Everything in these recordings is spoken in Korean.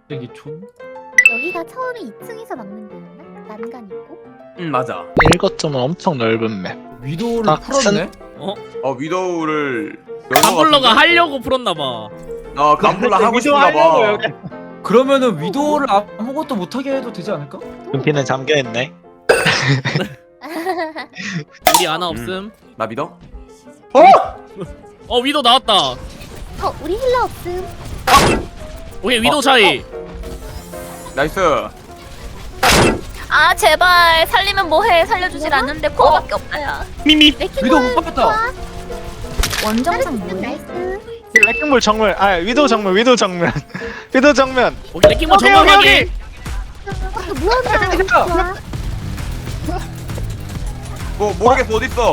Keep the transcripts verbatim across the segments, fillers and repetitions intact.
여기 촌? 여기가 처음에 이 층에서 막는 데였나? 난간 있고? 응 맞아. 일거점은 엄청 넓은 맵. 위도우를 아, 풀었네? 어? 어 위도우를 열것 감블러가 같은데? 하려고 풀었나봐. 어 감블러 하고 싶은가 봐. 그러면은 위도우를 아무것도 못하게 해도 되지 않을까? 금피는 잠겨있네. 우리 아나 없음. 나 믿어? 어 위도 나왔다. 어, 우리 힐러 없음. 오케이 위도 차이. 나이스. 아 제발 살리면 뭐해. 살려주질 않는데 코어밖에 없다야. 미미. 위도우 못 봤다. 원정상 뭐야? 뭐해? 나이스. 레킹볼 정면. 아 위도 정면. 위도 정면. 위도 정면. 오케이 레킹볼 여기, 정확하게. 어, 무언가 좋아. 뭐 모르겠어 어디 있어?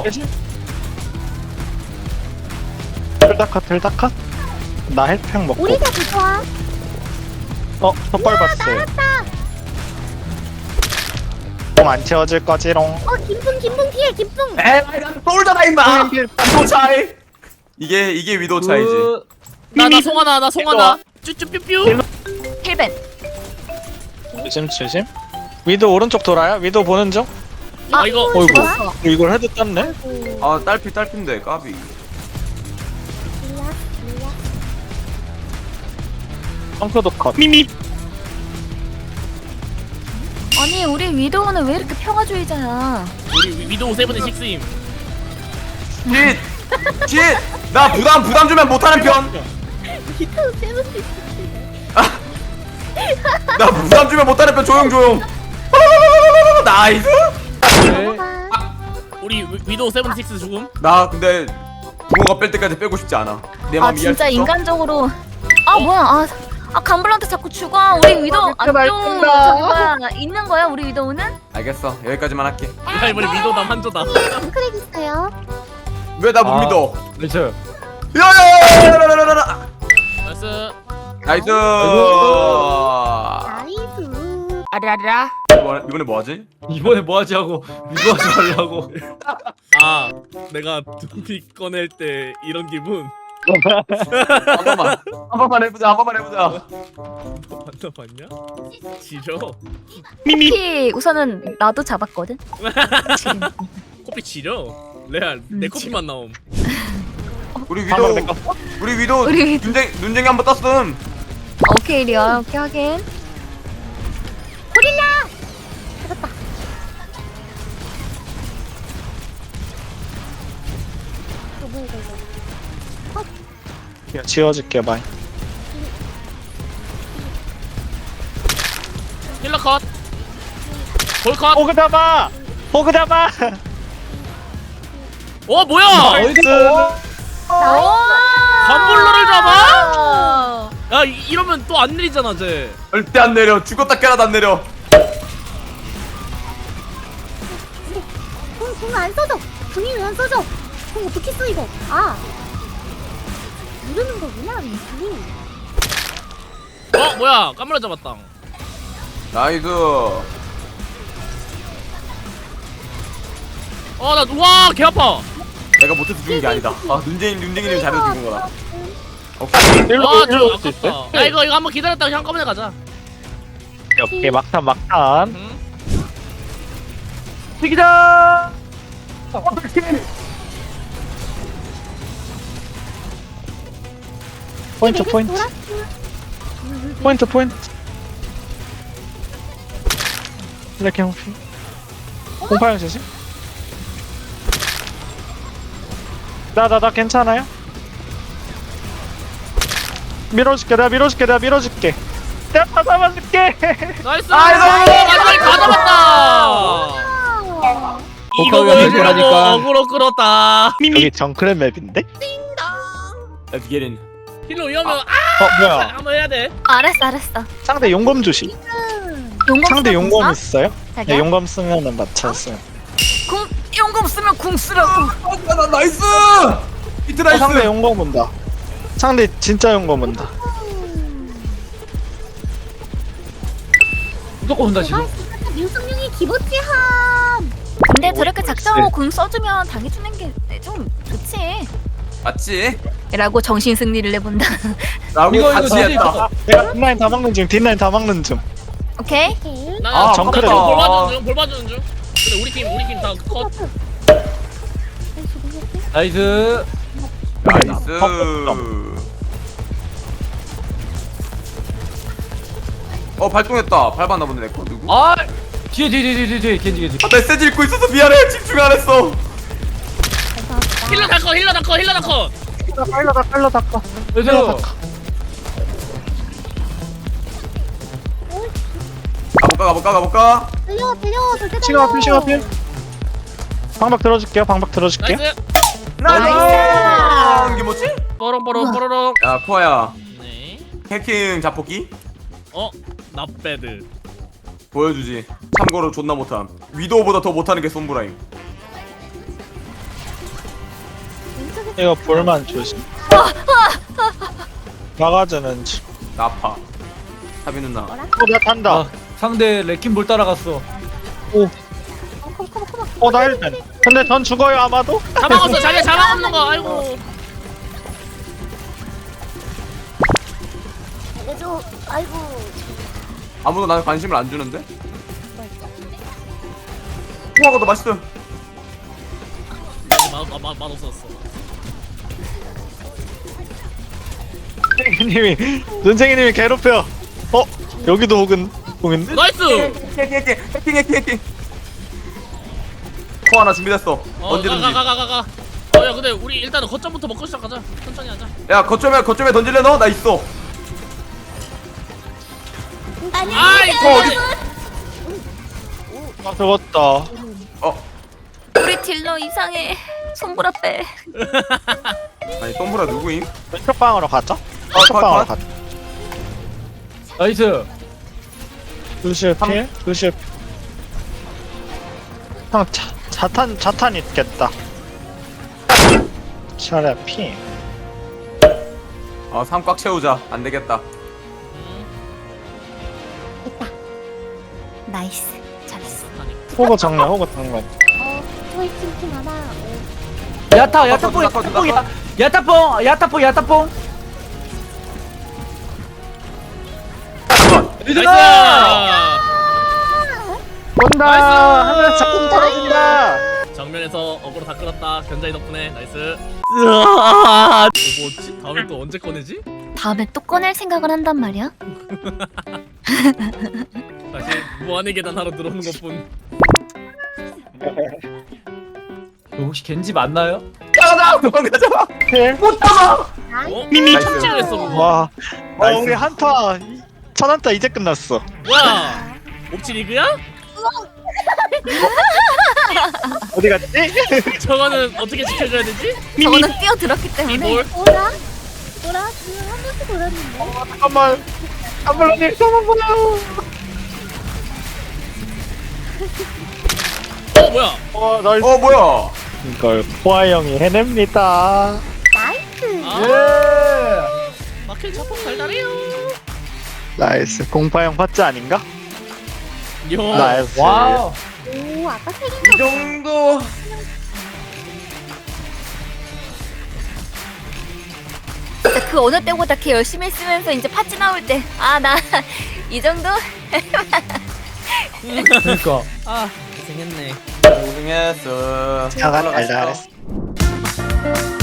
틀다컷 틀다컷. 나 헬평 먹고. 우리 다 좋아. 어 덧발 봤어요. 똥안 채워질 거지롱. 어, 김풍, 김풍 피해, 김풍. 에이 난 똘잖아 임마. 위도 차이. 이게 이게 위도 차이지. 그... 나나 송하나 나 송하나. 쭈쭈뾰뾰. 힐벤. 조심 조심. 위도 오른쪽 돌아요. 위도 보는 중. 아 이거 어이구. 좋아. 이걸 헤드 땄네. 아이고. 아 딸피 딸피인데 까비. 몰라, 몰라. 펑크도 컷. 미미. 아니 우리 위도우는 왜 이렇게 평화주의자야? 우리 위- 위도우 세븐의 식스임. 쉿! 쉿! 나 부담 부담 주면 못하는 편. 리타우 세븐스 나 부담 주면 못하는 편 조용 조용. 나이스. 넘어가. 우리 위- 위도우 세븐 식스 죽음. 나 근데 붕어가 뺄 때까지 빼고 싶지 않아. 내 아 마음 이해할 진짜 수 있어? 인간적으로. 아 뭐야? 아, 아 감블한테 자꾸 죽어. 우리 위도우 안쪽 저기가 있는 거야? 우리 위도우는? 알겠어 여기까지만 할게. 야 이번에 위도우 남 한조다. 크랙 있어요. 왜 나 못 아. 믿어? 그렇죠. 야야야야야야야야! 나이스. 나이스. 나이스. 아라라. 이번에, 이번에 뭐 하지? 이번에 뭐 하지 하고 위도하지 말라고. 아 내가 두피 꺼낼 때 이런 기분. 한 번만 한 번만 해보자 한 번만 해보자. 너 만나봤냐? 지려. 피 우선은 나도 잡았거든. 코피 지려. 레알 내 코피만 나옴. 우리 한번 위도 내꺼. 우리 위도 우리 위도. 눈쟁 눈쟁이 한 번 떴음. 오케이 리얼 오케이 하긴. 어, 뭐야, 이거, 이거. 야, 지워줄게 바이. 힐러 컷. 볼 컷. 호그 잡아. 호그 잡아. 어 뭐야? 나이스. 감블러를 잡아? 야 이- 이러면 또 안 내리잖아 쟤. 절대 안 내려. 죽었다 깨라도 안 내려. 공, 공안 써져. 공이 왜 안 써져? 공 어떻게 써, 이거? 아. 누르는 거구나, 링크. 어 뭐야? 감블러 잡았다. 나이스. 어나와개 아파. 내가 못해서 죽은 게 아니다. 아 눈쟁이 눈쟁이님 잘해서 죽은 거다. 오케이. 일로 아, 일로 저 올수 있어? 아깝다. 야 이거 이거 한번 기다렸다가 한꺼번에 가자. 오케이 막탄 막탄. 응? 튀기자. 포인트 포인트. 포인트 포인트. 레킹 피. 공파형 조심. 나나 나 괜찮아요? 밀어줄게 내가 밀어줄게 내가 밀어줄게. 내가 다 잡아줄게. 나이스. 나이스! 마지막에 다 잡았다. 이거 복합이 안 보여주려고 되니까. 어그로 끌었다. 여기 정크랩 맵인데? Let's get in. 힐러 위험해. 아, 어 뭐야? 한번 해야 돼. 알았어 알았어. 상대 용검 조심. 용검 상대 쓰면 용검 궁 있어요? 써? 네, 자기야? 용검 쓰면은 맞췄어요. 궁 용검 쓰면 궁 쓰라고. 아, 나 나이스. 히트 어, 나이스. 상대 용검 온다. 상대 진짜 용검 온다. 무조건 온다 지금. 민성룡이 기본지함. 근데 오, 저렇게 글쎄. 작정하고 궁 써주면 당해주는 게 좀 좋지. 맞지? 라고 정신 승리를 해본다. 라고 이거 이거 같이 진짜 했다. 이거. 내가 뒷라인 다 막는 중 뒷라인 다 막는 중 오케이. 오케이. 나 아, 나 정크레. 지금 볼 봐주는 중, 볼 봐주는 중. 근데 우리 팀 우리 팀 다 컷. 나이스. 나이스. 어 발동했다. 밟았나 본데 내거 누구? 아 뒤에 뒤에 뒤에 뒤에 뒤에 겐지 겐지. 아, 메시지 읽고 있어서 미안해. 집중 안 했어. 힐러 다 컷, 힐러 다 컷, 힐러 다 컷. 빨라 다 빨라 닦아 나이스. 가볼까 가볼까 가볼까. 들려 들려 절대 시간 앞필 시간 앞필 방박 들어줄게요 방박 들어줄게요 나이스. 나이스. 이게 뭐지? 뽀롱뽀롱 뽀로롱. 야 코아야. 네. 해킹 자폭기 어, 나배드. 보여주지. 참고로 존나 못함. 위도우보다 더 못하는 게 솜브라임. 이거 볼만 조심 막아주는 중 나파. 사비 누나. 어, 나 탄다 아, 상대 레킨볼 따라갔어. 어, 나 일단 근데 전 죽어요 아마도? 다 막았어, 자기가 잘 막았는 거. 아이고. 알려줘. 아이고. 아무도 나한테 관심을 안 주는데? 코아가 더 맛있음. 맛맛맛 없었어. 선생님이 선생님이 괴롭혀 어? 여기도 혹은 혹인데? 나이스. 해킹 해킹 해킹 해킹 해킹. 코아 하나 준비됐어. 어, 언제든지. 가 가 가 가 가. 어, 야, 근데 우리 일단은 거점부터 먹고 시작하자. 천천히 하자. 야 거점에 거점에 던질래 너? 나 있어. 아이, 어 어디? 아 죽었다 어 우리 딜러 이상해. 손보라 빼. 아니 솜브라 누구임? 왼쪽 방으로 가자 아, 왼쪽 컷, 방으로 컷. 가자 나이스. 루시오 필? 루시오 필. 형 자, 자탄 자탄 있겠다 차례 피 아, 삶 꽉 채우자. 안 되겠다. 나이스. 잘했어. 호구 정면 호구 정면 어 저희 팀팀 하나. 어, 야타 야타뽕 나커, 나커, 야타뽕 야타뽕 야타뽕 야타뽕. 나이스. 온다 나이스! 하늘에서 자꾸 떨어진다 정면에서 어그로 다 끌었다. 견자이 덕분에 나이스. 뭐 뭐지? 다음에 또 언제 꺼내지? 다음에 또 꺼낼 생각을 한단 말이야. 다시 무한의 계단 하러 들어오는 것뿐. 이거 혹시 겐지 맞나요? 가자 도망가자. 못 잡아. 어? 미미 나이스. 척지를 했어 그거. 와 어, 나이스. 우리 한타 천한타 이제 끝났어 뭐야? 옵치 리그야? 어디 갔지? 저거는 어떻게 지켜줘야 되지? 저거는 뛰어들었기 때문에. 이볼? 돌아? 돌아? 지금 한 번씩 돌았는데. 잠깐만 잠깐만요 잠깐만 봐요 어 뭐야? 어 나이스 어 뭐야? 이걸 포아 형이 해냅니다 나이스. 아 예. 마켓 자폭 달달해요. 나이스 공파 형 파츠 아닌가? 요. 나이스 와우. 오 아까 색인 이 정도. 진짜 그 어느 때보다 걔 열심히 쓰면서 이제 파츠 나올 때 아 나 이 정도? 그러니까. 아 고생했네. 고생했어. 자가 달달했어